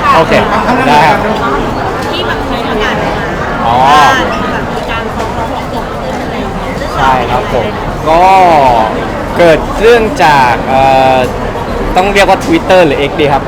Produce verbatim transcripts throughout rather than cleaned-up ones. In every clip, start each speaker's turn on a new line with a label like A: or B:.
A: โอเคได้ครับ
B: ที่แบบมีประกาศออกมา
A: อ๋อ
B: ว่าแบบมีการฟ้องร้องเกิดขึ้นอะไรอย่างเงี้ยเรื่องราว
A: ใช่ครับผมก็เกิดเรื่องจากเอ่อต้องเรียกว่า Twitter หรือ X ดีครับ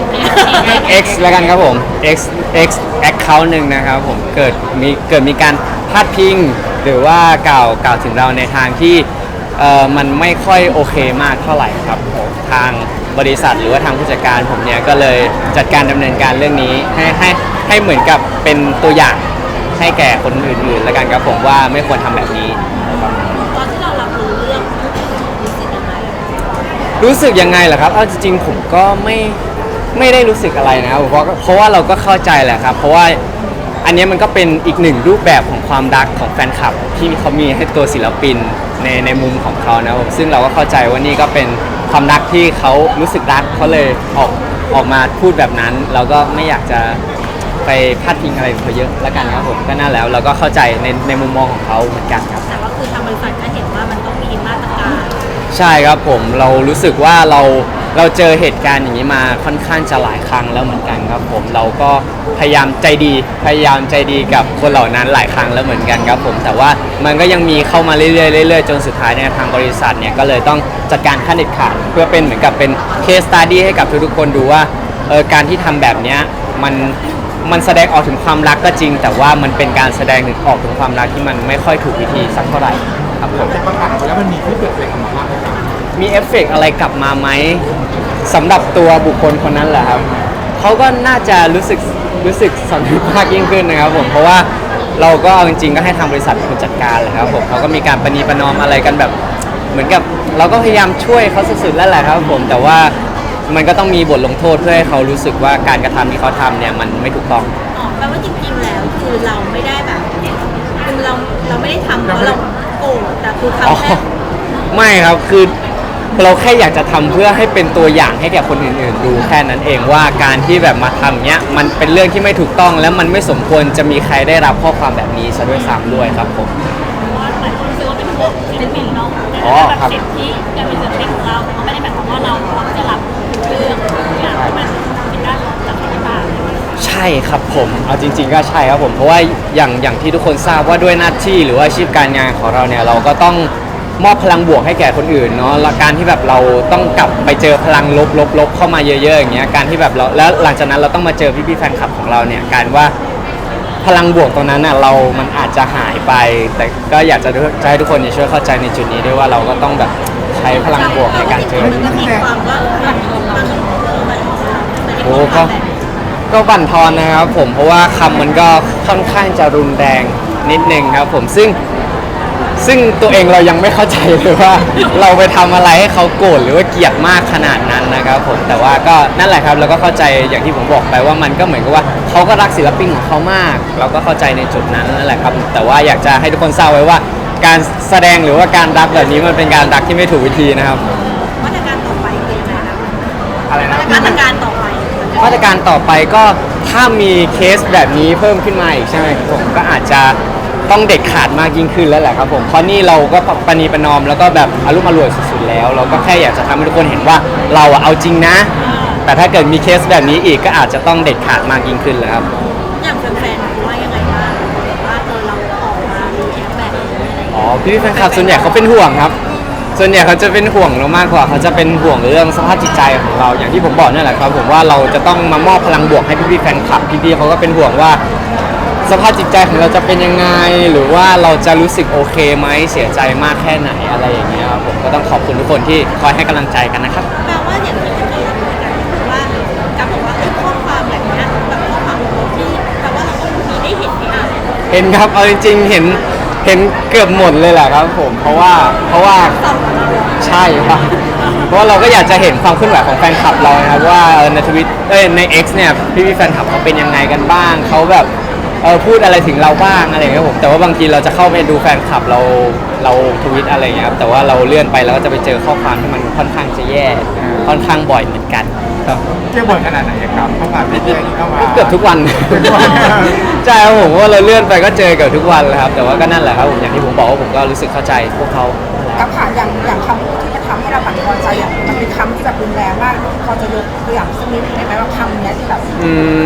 A: X แล้วกันครับผม X X account หนึ่งนะครับผมเกิดมีเกิดมีการพาดพิงหรือว่ากล่าวกล่าวถึงเราในทางที่เอ่อมันไม่ค่อยโอเคมากเท่าไหร่ครับผมทางบริษัทหรือว่าทางผู้จัดการผมเนี่ยก็เลยจัดการดำเนินการเรื่องนี้ให้ให้ให้เหมือนกับเป็นตัวอย่างให้แก่คนอื่นๆแล้วกันครับผมว่าไม่ควรทำแบบนี้
B: ตอนที่เรารับรู้เรื่องรู้สึกยังไง
A: รู้สึกยังไงล่ะครับเอาจริงๆผมก็ไม่ไม่ได้รู้สึกอะไรนะครับเพราะเพราะว่าเราก็เข้าใจแหละครับ เพราะว่าอันนี้มันก็เป็นอีกหนึ่งรูปแบบของความรักของแฟนคลับที่เขามีให้ตัวศิลปินในในมุมของเขานะครับซึ่งเราก็เข้าใจว่านี่ก็เป็นความรักที่เขารู้สึกรักเขาเลยออกออกมาพูดแบบนั้น เราก็ไม่อยากจะไปพาดพิงอะไรเขาเยอะละกันครับผมก็น่าแล้วเราก็เข้าใจในในมุมมองของเขาเหมือนกันครับ
B: แต่ว่าคือทางบริษัทก็เห็นว่ามันต้องมีมาตรการ
A: ใช่ครับผมเรารู้สึกว่าเราเราเจอเหตุการณ์อย่างนี้มาค่อนข้างจะหลายครั้งแล้วเหมือนกันครับผมเราก็พยายามใจดีพยายามใจดีกับคนเหล่านั้นหลายครั้งแล้วเหมือนกันครับผมแต่ว่ามันก็ยังมีเข้ามาเรื่อยๆเรื่อยๆจนสุดท้ายเนี่ยทางบริษัทเนี่ยก็เลยต้องจัดการขั้นเด็ดขาดเพื่อเป็นเหมือนกับเป็นเคสตัดดี้ให้กับทุกๆคนดูว่าเออการที่ทำแบบเนี้ยมันมันแสดงออกถึงความรักก็จริง แต่ว่ามันเป็นการแสดงถึงออกถึงความรักที่มันไม่ค่อยถูกวิธีสักเท่าไหร่ครับผม
C: แต่ประกาศออกไปแล้วมันมีที่เกิดอะไรออกมาบ้างไหมครับ
A: มีเอฟเฟกต์อะไรกลับมาไหมสำหรับตัวบุคคลคนนั้นแหละครับเขาก็น่าจะรู้สึกรู้สึกสำนึกมากยิ่งขึ้นนะครับผมเพราะว่าเราก็เอาจริงๆก็ให้ทางบริษัทเป็นคนจัดการเลยครับผมเขาก็มีการประนีประนอมอะไรกันแบบเหมือนกับเราก็พยายามช่วยเขาสุดๆแล้วแหละครับผมแต่ว่ามันก็ต้องมีบทลงโทษเพื่อให้เขารู้สึกว่าการกระทำที่เขาทำเนี่ยมันไม่ถูกต้อง
B: อ๋อแปลว่าจริงๆแล้วคือเราไม่ได้แบบคือเราเราไม่ได้ทำเพราะเราโกรธแต่คือ
A: อ๋อ
B: ทำแค่
A: ไม่ครับคือเราแค่อยากจะทำเพื่อให้เป็นตัวอย่างให้แก่คนอื่นๆดูแค่นั้นเองว่าการที่แบบมาทำเนี้ยมันเป็นเรื่องที่ไม่ถูกต้องและมันไม่สมควรจะมีใครได้รับข้อความแบบนี้ซะด้วยซ้ำด้วยครับผม
B: ว่าหลายคนรู้สึกว่าเป็นห่วงศิลปินเนาะ
A: อ๋อ
B: แบบ
A: ครับ
B: สิทธิการเป็นศิลปินของเราแต่ก็ไม่ได้หมายความว่าเราพร้อมจะรับเรื่องทุกอย่างที่มันเป็นด้านลบจากที่ต่าง
A: ใช่ครับผมเอาจริง ๆ ก็ใช่ครับผมเพราะว่าอย่างอย่างที่ทุกคนทราบว่าด้วยหน้าที่หรือว่าอาชีพการงานของเราเนี่ยเราก็ต้องมอบพลังบวกให้แก่คนอื่นเนาะและการที่แบบเราต้องกลับไปเจอพลังลบลบลบเข้ามาเยอะๆอย่างเงี้ยการที่แบบเราแล้วหลังจากนั้นเราต้องมาเจอพี่ๆแฟนคลับของเราเนี่ยการว่าพลังบวกตรงนั้นน่ะเรามันอาจจะหายไป แต่ก็อยากจะจะให้ทุกคนเนี่ยช่วยเข้าใจในจุดนี้ด้วยว่าเราก็ต้องแบบใช้พลังบวกในการเจอ
B: มันก็มีความว่ามันมันมัน
A: โอ้ก็ก็บั่นทอนนะครับผมเพราะว่าคำมันก็ค่อนข้างจะรุนแรงนิดนึงครับผมซึ่งซึ่งตัวเองเรายังไม่เข้าใจเลยว่า เราไปทำอะไรให้เขาโกรธหรือว่าเกลียดมากขนาดนั้นนะครับผมแต่ว่าก็นั่นแหละครับเราก็เข้าใจอย่างที่ผมบอกไปว่ามันก็เหมือนกับว่าเขาก็รักศิลปินของเขามาก เราก็เข้าใจในจุดนั้นนั่นแหละครับแต่ว่าอยากจะให้ทุกคนทราบไว้ว่า การแสดงหรือว่าการรักแบบนี้มันเป็นการรักที่ไม่ถูกวิธีนะครับ
B: มาตรการต่อไปคือยังไงนะ
A: อะไรนะ
B: มาตรการต่อไป
A: มาตรการต่อไปก็ถ้ามีเคสแบบนี้เพิ่มขึ้นมาอีกใช่ไหมครับผมก็อาจจะต้องเด็ดขาดมากยิ่งขึ้นแล้วแหละครับผมเพราะนี่เราก็ประนีประนอมแล้วก็แบบอารมณ์อร่วยสุดๆแล้ว เราก็แค่อยากจะทำให้ทุกคนเห็นว่าเราอะเอาจริงนะ แต่ถ้าเกิดมีเคสแบบนี้อีกก็อาจจะต้องเด็ดขาดมากยิ่งขึ้นแล้วครับ
B: อย่างแฟนๆว่ายังไงบ้างว่าเออเราออกมารีแอคแบบนี้อะไรอย่าง
A: อ๋อ
B: เงี้ย
A: พี่ๆแฟนคลับส่วนใหญ่เขาเป็นห่วงครับ ส่วนใหญ่เขาจะเป็นห่วงเรามากกว่าเขาจะเป็นห่วงเรื่องสภาพจิตใจของเราอย่างที่ผมบอกนั่นแหละครับผมว่าเราจะต้องมามอบพลังบวกให้พี่ๆแฟนคลับพี่ๆเขาก็เป็นห่วงว่า สภาพจิตใจของเราจะเป็นยังไงหรือว่าเราจะรู้สึกโอเคไหมเสียใจมากแค่ไหนอะไรอย่างเงี้ยครับผมก็ต้องขอบคุณทุกคนที่คอยให้กำลังใจกันนะครับ
B: แปลว่าอย่างที่เมื่อกี้เราคุยกันคือว่าการบอกว่าไอ้ข้อความแบบเนี้ยแบบข้อความลบที่แปลว่าเราก็มีได้เห็นที่อ่าน
A: เห็นครับเอาจริงๆเห็นเห็นเกือบหมดเลยแหละครับผมเพราะว่าเพราะว่า
B: สองคนเลย
A: ใช่ครับเพราะว่าเราก็อยากจะเห็นความเคลื่อนไหวของแฟนคลับเรานะครับว่าเออในทวิตเอ้ยใน X เนี่ยพี่ๆแฟนคลับเขาเป็นยังไงกันบ้างเขาแบบเออพูดอะไรถึงเราบ้างอะไรอย่างเงี้ยผมแต่ว่าบางทีเราจะเข้าไปดูแฟนคลับเราเราทวิตอะไรอย่างเงี้ยครับแต่ว่าเราเลื่อนไปแล้วก็จะไปเจอข้อความที่มันค่อนข้างจะแย่ค่อนข้างบ่อยเหมือนกันครับ
C: เที่ยวบ่อยขนาดไหนครับเข้ามาพี่เที่ยวเข้ามา
A: เกือบทุกวัน
C: ทุกวัน
A: ใช่ครับผมว่าเราเลื่อนไปก็เจอเกือบทุกวันเลยครับแต่ว่าก็นั่นแหละครับผมอย่างที่ผมบอกว่าผมก็รู้สึกเข้าใจพวกเขา
D: กับค่ะอย่างอย่างคำพูดที่จะทำให้เราบั่นทอนใจอ่ะมันเป็นคำที่แบบรุนแรงมากพอจะยกตัวอย่างสักนิดได้ไหมว่าคำเนี้ยที่แบบ
A: อืม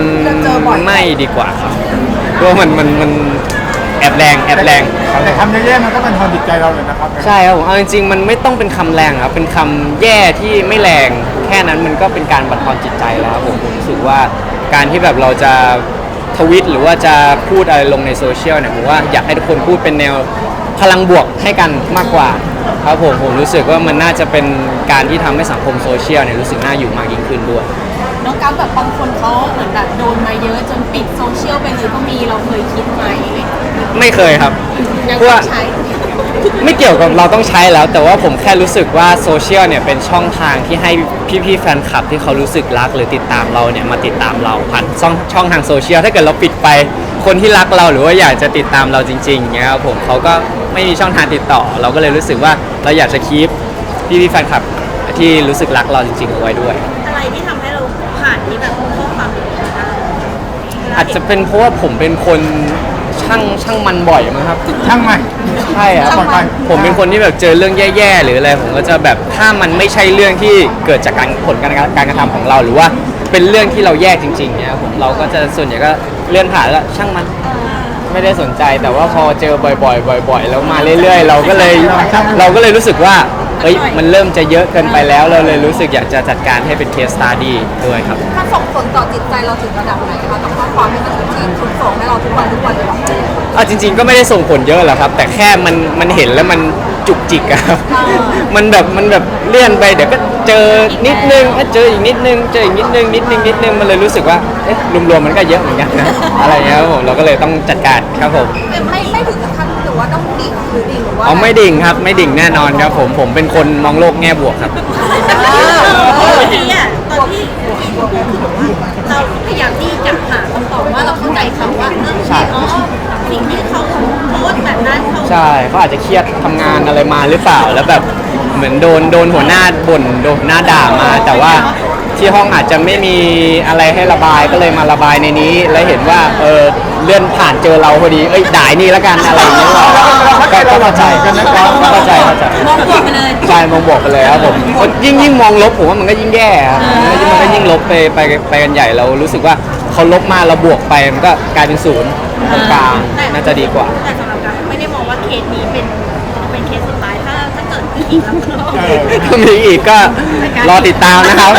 A: ไม่ดีกว่าครับเพราะว่ามันมันมันแอบแรงแอบแรง
C: แต่คำแย่ๆมันก็บันทอนจิตใจเราเลยนะครับ
A: ใช่ครับผมเอาจริงๆมันไม่ต้องเป็นคำแรงครับเป็นคำแย่ที่ไม่แรงแค่นั้นมันก็เป็นการบั่นทอนจิตใจแล้วครับผมผมรู้สึกว่าการที่แบบเราจะทวิตหรือว่าจะพูดอะไรลงในโซเชียลเนี่ยผมว่าอยากให้ทุกคนพูดเป็นแนวพลังบวกให้กันมากกว่าครับผมผมรู้สึกว่ามันน่าจะเป็นการที่ทำให้สังคมโซเชียลเนี่ยรู้สึกน่าอยู่มากยิ่งขึ้นด้วย
B: น้องกัฟแบบบางคนเขาเหมือนแบบโดนมาเยอะจนปิดโซเชียลไปเลยก็มีเราเคยคิดไหม
A: ไม่เคยครับ
B: ยัง
A: เพราะว่า
B: ใช้
A: ไม่เกี่ยวกับเราต้องใช้แล้ว แต่ว่าผมแค่รู้สึกว่าโซเชียลเนี่ยเป็นช่องทางที่ให้พี่ๆแฟนคลับที่เขารู้สึกรักหรือติดตามเราเนี่ยมาติดตามเราผ่านช่องช่องทางโซเชียลถ้าเกิดเราปิดไปคนที่รักเราหรือว่าอยากจะติดตามเราจริงๆเนี่ยครับผมเขาก็ไม่มีช่องทางติดต่อ เราก็เลยรู้สึกว่าเราอยากจะคีปพี่ๆแฟนคลับที่รู้สึกรักเราจริงๆเอาไว้ด้วย
B: อะไรที่ทำให้เราผ่านที่แบบข้อความแบบนี้ได้
A: อาจจะเป็นเพราะว่าผมเป็นคนช่างช่างมันบ่อยมั้งครับ
C: ช่างมัน
A: ใช่ครับ
C: ช่างมัน
A: ผมเป็นคนที่แบบเจอเรื่องแย่ๆหรืออะไรผมก็จะแบบถ้ามันไม่ใช่เรื่องที่เกิดจากการผลการการกระทำของเรา หรือว่าเป็นเรื่องที่เราแย่จริงๆเนี่ยผมเราก็จะส่วนใหญ่ก็เลื่อนผ่านแล้วช่างมันไม่ได้สนใจแต่ว่าพอเจอบ่อยๆ บ่อย ๆ แล้วมาเรื่อยๆ เราก็เลยเราก็เลยรู้สึกว่าเอ้ยมันเริ่มจะเยอะเกินไปแล้วเราเลยรู้สึกอยากจะจัดการให้เป็นเคสสตาดี้ด้วยครับ
D: มันส่งผลต่อจิตใจเราถึงระดับไหนคะกับข้อความที่มันที่ถูกส่งให้เราทุกวันทุกวันเลยเหรอ
A: เอาจริง ๆ ก็ไม่ได้ส่งผลเยอะหรอกครับ แต่แค่มันมันเห็นแล้วมันจุกจิกอะครับ มันแบบมันแบบเลื่อนไปเดี๋ยวก็เจอนิดนึงก็เจออีกนิดนึงเจออีกนิดนึงนิดนึงนิดนึงมันเลยรู้สึกว่าเอ๊ะรวมๆมันก็เยอะเหมือนกันนะ อะไรเงี้ยครับผมเราก็เลยต้องจัดการครับผม
D: ไม่ไม่ไม่ถึงกับขั้นหรือว่าต้องดิ่งหรือดิ่งหรือว่า
A: เอาไม่ดิ่งครับไม่ดิ่งแน่นอนครับผมผมเป็นคนมองโลกแง่บวกครับ
B: ตอนที่อ่ะตอนที่เราพยายามที่จะหาคำตอบว่าเราเข้าใจเขาว่าเออ
A: ใช่
B: อ๋อสิ่งที่เขาโพสต์แบบนั้นเขา
A: ใช่เขาอาจจะเครียดทำงานอะไรมาหรือเปล่าแล้วแบบเหมือนโดนโดนหัวหน้าบ่นโดนหัวหน้าด่ามา แต่ว่าที่ห้องอาจจะไม่มีอะไรให้ระบายก็เลยมาระบายในนี้ แล้วเห็นว่าเออเลื่อนผ่านเจอเราพอดีเอ้ยด่ายนี่แล้วกันอะไรอย่างเงี้ยก็ก็เข้าใจก็เข้าใจเข้าใจ
B: มองบวกไปเลย
A: ใช่มองบวกไปเลยครับผมยิ่งยิ่งมองลบผมว่ามันก็ยิ่งแย่ครับมันก็ยิ่งลบไปไปไปกันใหญ่เรารู้สึกว่าเขาลบมาเราบวกไปมันก็กลายเป็นศูนย์ตรงกลางน่าจะดีกว่า
B: แต่สำหรับการไม่ได้มองว่าเคสนี้เป็นเป็นเคสสุดท้ายถ้าถ้าเกิดมีอีกแล้วก็
A: ถ้ามีอีกก็รอติดตามนะครับ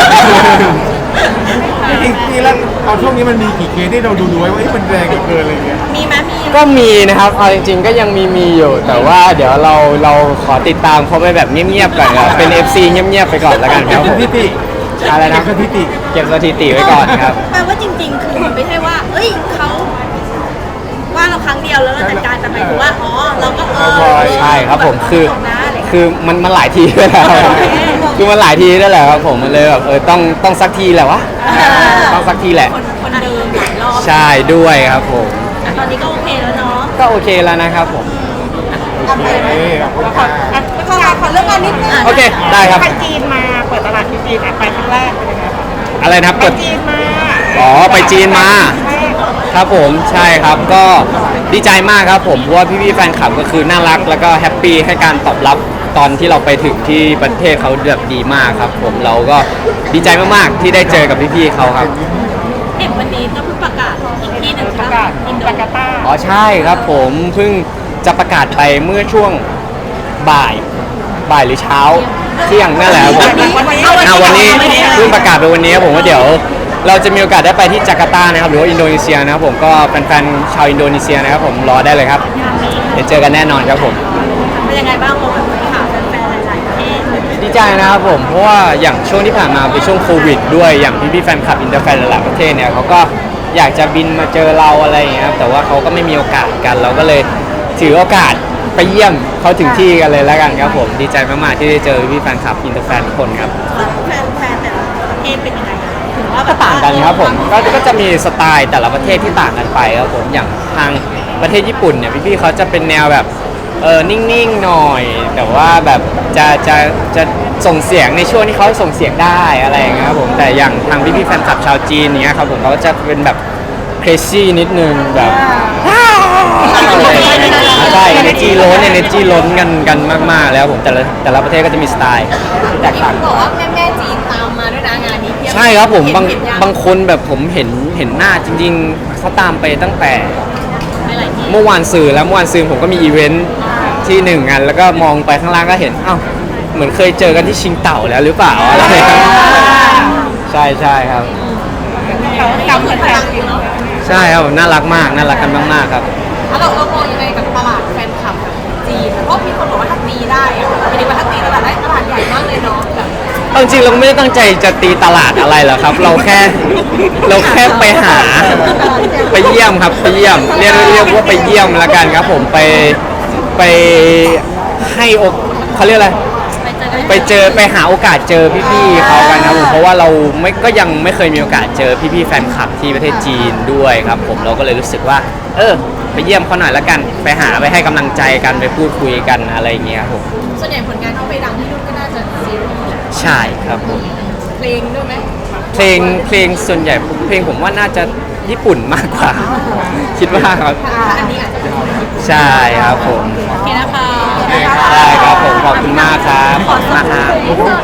C: จริงๆแล้วเอาช่วงนี้มันมีกี่เคสที่เราดูดูไว้ว่าเอ้ยมันแรงเกินอะไรเงี้ย
B: มีไหมมี
A: ก็มีนะครับเอาจริงๆก็ยังมีมีอยู่ แต่ว่าเดี๋ยวเราเราขอติดตามเขาไปแบบเงียบๆก่อนครับเป็น เอฟ ซี เงียบๆไปก่อนแล้วกันครับผม
C: สถิติ
A: อะไรนะ
C: สถิติ
A: เก็บสถิติไว้ก่อนครับ
B: แปลว่าจริง ๆ คือมันไม่ใช่ว่า เอ้ยเขาว่าเราครั้งเดียวแล้วเราจัดการแต่หมายถึงว่าอ๋อเราก็เออ
A: ใช่ครับผมคือ
B: จบนะอะไรอย่างเงี้ย
A: คือมันมันหลายทีด้วยแหละครับคือมันหลายทีด้วยแหละครับผมมันเลยแบบเออต้องต้องสักทีแหละวะต้องสักทีแหละ
B: คนคนเดิมหลายรอบ
A: ใช่ด้วยครับผม
B: แต่ตอนนี้ก็โอเคแล้วเนาะ
A: ก็โอเคแล้วนะครับผม
D: โอเค
C: เอ้ยขอบคุณค่ะ
D: ขอขอเรื่องงานนิดนึง
A: โอเคได้ครับ
D: ไปจีนมาเปิดตลาดที่จีนไปครั้งแรกเป็นยังไงคะ
A: อะไรนะครับ
D: ไป
A: เปิด
D: จีนมา
A: อ๋อไปจีนมา
D: ใช่
A: ครับผมใช่ครับก็ดีใจมากครับผมเพราะว่าพี่ๆแฟนคลับก็คือน่ารักแล้วก็แฮปปี้ให้การตอบรับตอนที่เราไปถึงที่ประเทศเขาแบบดีมากครับผมเราก็ดีใจมากๆที่ได้เจอกับพี่ๆเขาครับ
B: เห็นวันนี้ก็เพิ่งประกาศอีกที่หนึ่ง
D: ประกาศ
B: อินโด
D: จาการ์ตา
A: อ๋อใช่ครับผมเพิ่งจะประกาศไปเมื่อช่วงบ่ายบ่ายหรือเช้าเที่ยงนั่นแหละครับผม อ่าวันนี้เพิ่งประกาศไปวันนี้ครับผมว่าเดี๋ยวเราจะมีโอกาสได้ไปที่จาการ์ตานะครับหรือว่าอินโดนีเซียนะครับผมก็แฟนๆชาวอินโดนีเซียนะครับผมรอได้เลยครับเดี๋ยวเจอกันแน่นอนครับผม
B: เป็นยังไงบ้างเราแบบข่าวแฟนๆหลายๆประเทศ
A: ดีใจนะครับผมเพราะว่าอย่างช่วงที่ผ่านมาเป็นช่วงโควิดด้วยอย่างพี่ๆแฟนคลับอินเตอร์แฟนหลายๆประเทศเนี่ยเขาก็อยากจะบินมาเจอเราอะไรอย่างเงี้ยครับแต่ว่าเขาก็ไม่มีโอกาสกัน เราก็เลยถือโอกาสไปเยี่ยมเขาถึงที่กันเลยแล้วกันครับผมดีใจมากๆที่ได้เจอพี่ๆแฟนคลับอินเตอร์แฟนทุกคนครับ
B: แฟนแฟนแต่ละประเทศเป็นยังไงถือว่าแบบ
A: ต่างกันครับผมก็ก็จะมีสไตล์แต่ละประเทศที่ต่างกันไปครับผมอย่างทางประเทศญี่ปุ่นเนี่ยพี่ๆเขาจะเป็นแนวแบบเออนิ่งๆหน่อย แต่ว่าแบบจะจะจะส่งเสียงในช่วงที่เขาส่งเสียงได้อะไรอย่างเงี้ยครับผมแต่อย่างทางพี่ๆแฟนคลับชาวจีนเนี้ยครับผมเขาจะเป็นแบบ crazy นิดนึงแบบใช่ energy ล้น energy ล้นกันกันมากๆแล้วผมแต่ละแต่ละประเทศก็จะมีสไตล์ที่แตกต่าง
B: บอกว่าแม่แม่จีนตามมาด้วยนะงานนี้เพียบ
A: ใช่ครับผมบาง
B: เห็นยัง
A: บางคนแบบผมเห็นเห็นหน้าจริงๆเขาตามไปตั้งแต่
B: หลายๆที่
A: เมื่อวานสื่อแล้วเมื่อวานสื่อผมก็มีอีเวนท์ที่หนึ่งงานแล้วก็มองไปข้างล่างก็เห็นอ้าวเหมือนเคยเจอกันที่ชิงเต่าแล้วหรือเปล่าอะไรครับใช่ใช่ครับ
B: กำเหมือนกันเนาะ
A: ใช่ครับผมน่ารักมากน่ารักกันมากๆครับ
D: แล้วเราเรามองยังไงกับตลาดแฟนคลับแบบจีนเพราะมีคนบอกว่าถ้าตีได้อะไม่ได้ว่าถ้าตีตลาดได้ตลาดใหญ่มากเลยเนาะแบบ
A: เอาจริงๆเราไม่ได้ตั้งใจจะตีตลาดอะไรหรอกครับ เราแค่เราแค่ไปหาไปเยี่ยมครับไปเยี่ยมเรียกเรียกว่าไปเยี่ยมละกันครับผมไปไปให้อกเขาเรียกอะไร
B: ไปเจอกัน
A: ไปเจอไปหาโอกาสเจอพี่ๆเขากันครับผมเพราะว่าเราไม่ก็ยังไม่เคยมีโอกาสเจอพี่ๆแฟนคลับที่ประเทศจีนด้วยครับผมเราก็เลยรู้สึกว่า เออ ไปเยี่ยมเขาหน่อยละกัน ไปหาไปให้กำลังใจกันไปพูดคุยกันอะไรอย่างเงี้ยครับผม
D: ส่วนใหญ่ผลงานที่ไปดังที่นู่นก็น่าจะซีรีส์แหละ
A: ใช่ครับผม
D: เพลงด้วยไหม
A: เพลงเพลงส่วนใหญ่เพลงผมว่าน่าจะญี่ปุ่นมากกว่า คิดว่าครับ
D: ถ้าอันนี้อาจจะเป็น
A: ใช่ครับผม
B: โอเคนะคะ
A: ได้ครับผมขอบคุณมากครับขอบคุณมากครับ